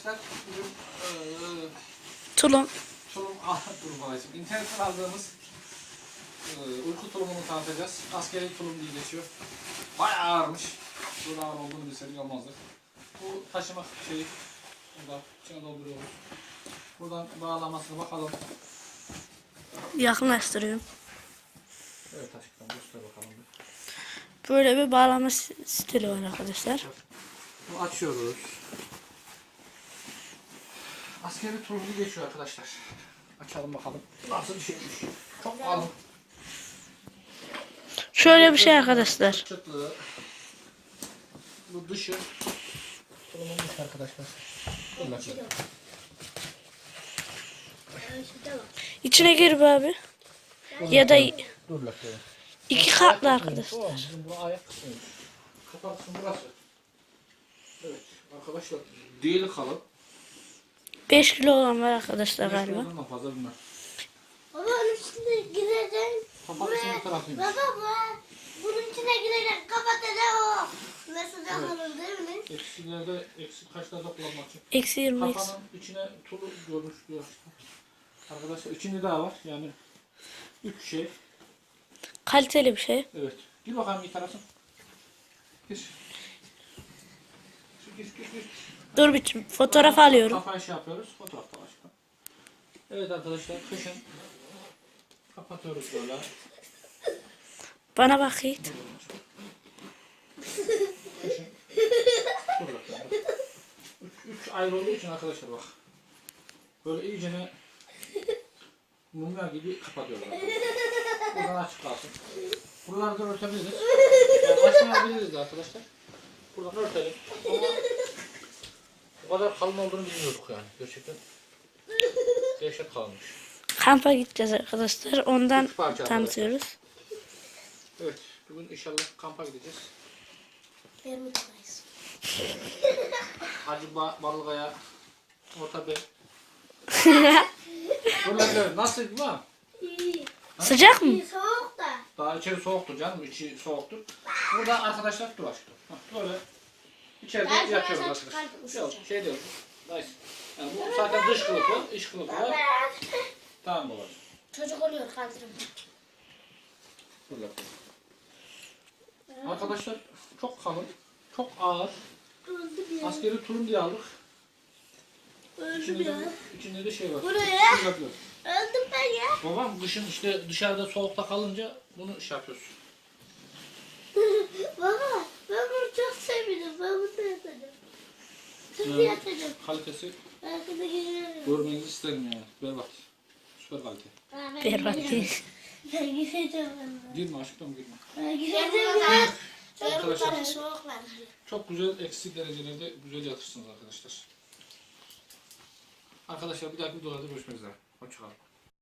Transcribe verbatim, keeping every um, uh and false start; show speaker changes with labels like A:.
A: arkadaşlar bugün e,
B: Tulum.
A: tulum, tulum babacığım. İnternetten aldığımız e, uyku tulumunu tanıtacağız. Askeri tulum diye geçiyor. Bayağı ağırmış. Bunun ağır olduğunu bilseydik olmazdı. Bu taşıma şeyi burada içine dolduruyoruz. Buradan bağlamasına bakalım.
B: Yakınlaştırıyorum.
A: Evet aşkım göster bakalım bir.
B: Böyle bir bağlama stili var arkadaşlar.
A: Bunu açıyoruz. Askeri tulumunu geçiyor arkadaşlar. Açalım bakalım. Nasıl bir şeymiş. Çok kalın.
B: Şöyle bir şey arkadaşlar.
A: Çıtlığı. Bu dışı. Tulumun dışı arkadaşlar.
B: İçine gir be abi. Ya da
A: Dur lakaya.
B: iki katlı arkadaşlar.
A: Bu ayak kısmıymış. Kapak kısmı burası. Evet arkadaşlar. Değil kalın.
B: beş kilo olan var arkadaşlar galiba.
A: beş kilodan fazla bilmem.
C: Baba onun içine gireceksin.
A: Kapak kısmı tarafıymış.
C: Baba bu. Bunun içine gireceksin. Kapatacak o. Mesela kalır değil mi?
A: Eksilerde, eksik kaçlarda kullanmak için.
B: Eksi yirmi eksi.
A: Kafanın içine tulu görmüş diyor işte. Arkadaşlar içinde daha var yani. Üç şey.
B: Kaliteli bir şey.
A: Evet. Gir bakalım bir tarafın. Gir. Gir, gir, gir.
B: Dur bir fotoğraf alıyorum.
A: Kafayı şey yapıyoruz. Fotoğrafta başka. Evet arkadaşlar kışın kapatıyoruz böyle.
B: Bana bak Yiğit.
A: Kışın. Dur bakalım. Üç, üç ayrı olduğu için arkadaşlar bak. Böyle iyicene mumya gibi kapatıyorlar. Buradan açık kalsın. Buraları da örtebiliriz. Yani açmayabiliriz de arkadaşlar. Buradan örtelim. Ama o kadar kalın olduğunu bilmiyorduk yani. Gerçekten dehşet kalmış.
B: Kampa gideceğiz arkadaşlar. Ondan
A: Üç parça
B: tanıtıyoruz.
A: Evet. Bugün inşallah kampa gideceğiz.
C: Yarımdayız.
A: Hacı ba Balıkaya, Orta Bey. Buralar nasıl lan?
C: İyi.
B: Sıcak mı?
C: İyi soğuk da.
A: Daha içeri soğuktur canım, içi soğuktur. Burada arkadaşlar dur aşkım. Hah, böyle içeride
C: Ben
A: yatıyoruz
C: sana
A: arkadaşlar.
C: çıkardım,
A: Yok
C: ısıtacağım.
A: şey diyoruz. Nice. Yani bu zaten dış kılıfı, iç kılıfı var. Tamam babacığım.
C: Çocuk oluyor kaldırım.
A: Dur bakalım. Arkadaşlar çok kalın, çok ağır.
C: Öldüm ya.
A: Askeri tulum diye aldık.
C: Öldüm
A: İçinde
C: ya.
A: de, içinde de şey var.
C: Buraya.
A: Şey yapıyoruz.
C: Öldüm ben ya.
A: Babam kışın işte dışarıda soğukta kalınca bunu şey yapıyoruz.
C: Baba ben bunu çok sevdim. Ben bunu yatacağım. Şimdi
A: Evet.
C: yatacağım.
A: Kalitesi
C: Arkada geliyorum.
A: görmenizi isterim yani. Berbat. Süper kalite.
B: Berbat değil.
C: Ben gideceğim ben.
A: Girme aşkım girme.
C: Ben gideceğim ya.
A: Arkadaşlar
C: Soğuk var.
A: çok güzel eksi derecelerde güzel yatırsınız arkadaşlar. Arkadaşlar bir dahaki videolarda görüşmek üzere. Hoşçakalın.